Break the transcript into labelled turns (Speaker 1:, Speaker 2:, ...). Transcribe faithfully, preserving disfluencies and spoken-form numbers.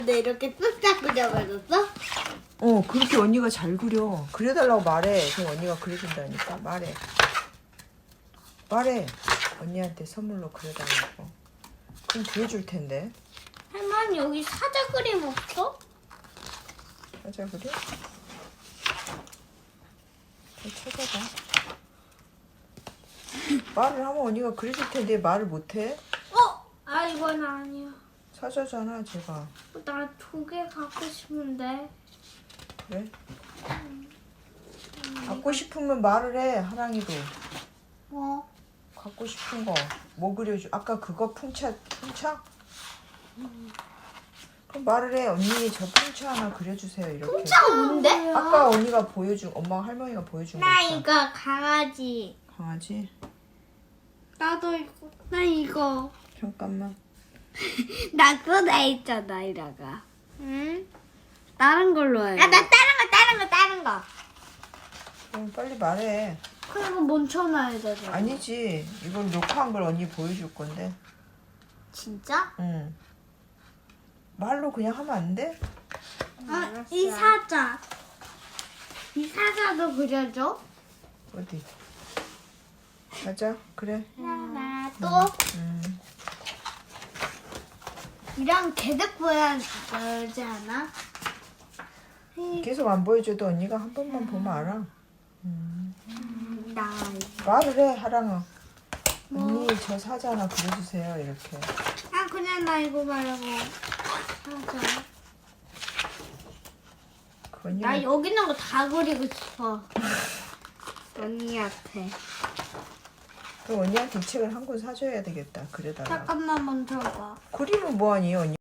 Speaker 1: 근데 이렇게 쓱싹 그려버렸어?
Speaker 2: 어, 그렇게 언니가 잘 그려. 그려달라고 말해. 그럼 언니가 그려준다니까. 말해. 말해. 언니한테 선물로 그려달라고. 그럼 그려줄 텐데.
Speaker 1: 할머니 여기 사자 그림 없어?
Speaker 2: 찾아 그려? 잘 찾아봐. 말을 하면 언니가 그려줄 텐데 말을 못해?
Speaker 1: 어? 아 이건 아니야.
Speaker 2: 사자잖아, 제가.
Speaker 1: 나 두 개 갖고 싶은데.
Speaker 2: 그래? 갖고 싶으면 말을 해, 하랑이도.
Speaker 1: 뭐?
Speaker 2: 갖고 싶은 거. 뭐 그려줘? 아까 그거 풍차, 풍차? 그럼 말을 해. 언니 저 풍차 하나 그려주세요, 이렇게.
Speaker 1: 풍차가 뭔데?
Speaker 2: 아까 언니가 보여준, 엄마 할머니가 보여준 거
Speaker 1: 나
Speaker 2: 있잖아.
Speaker 1: 이거 강아지.
Speaker 2: 강아지?
Speaker 1: 나도 이거. 나 이거.
Speaker 2: 잠깐만.
Speaker 1: 나 꺼내 있잖아 이라가. 응? 다른 걸로 해. 아, 나 다른 거, 다른 거, 다른 거.
Speaker 2: 그럼 빨리 말해.
Speaker 1: 그리고 멈춰놔야 되잖아.
Speaker 2: 아니지. 이걸 녹화한 걸 언니 보여줄 건데.
Speaker 1: 진짜?
Speaker 2: 응. 말로 그냥 하면 안 돼?
Speaker 1: 아, 이 사자. 이 사자도 그려줘.
Speaker 2: 어디? 가자. 그래.
Speaker 1: 하나 또
Speaker 2: 음.
Speaker 1: 이랑 개들 보여야지 않아?
Speaker 2: 계속 안 보여줘도 언니가 한 번만 보면 알아. 음.
Speaker 1: 나
Speaker 2: 말을 해, 하랑아. 언니 저 사자 하나 그려주세요, 이렇게.
Speaker 1: 아 그냥 나 이거 말고 사자.
Speaker 2: 그 언니
Speaker 1: 나 여기 있는 거 다 그리고 싶어. 언니한테.
Speaker 2: 그럼 언니한테 이 책을 한 권 사줘야 되겠다. 그려달라고.
Speaker 1: 잠깐만 멈춰봐.
Speaker 2: 그리면 뭐하니, 언니?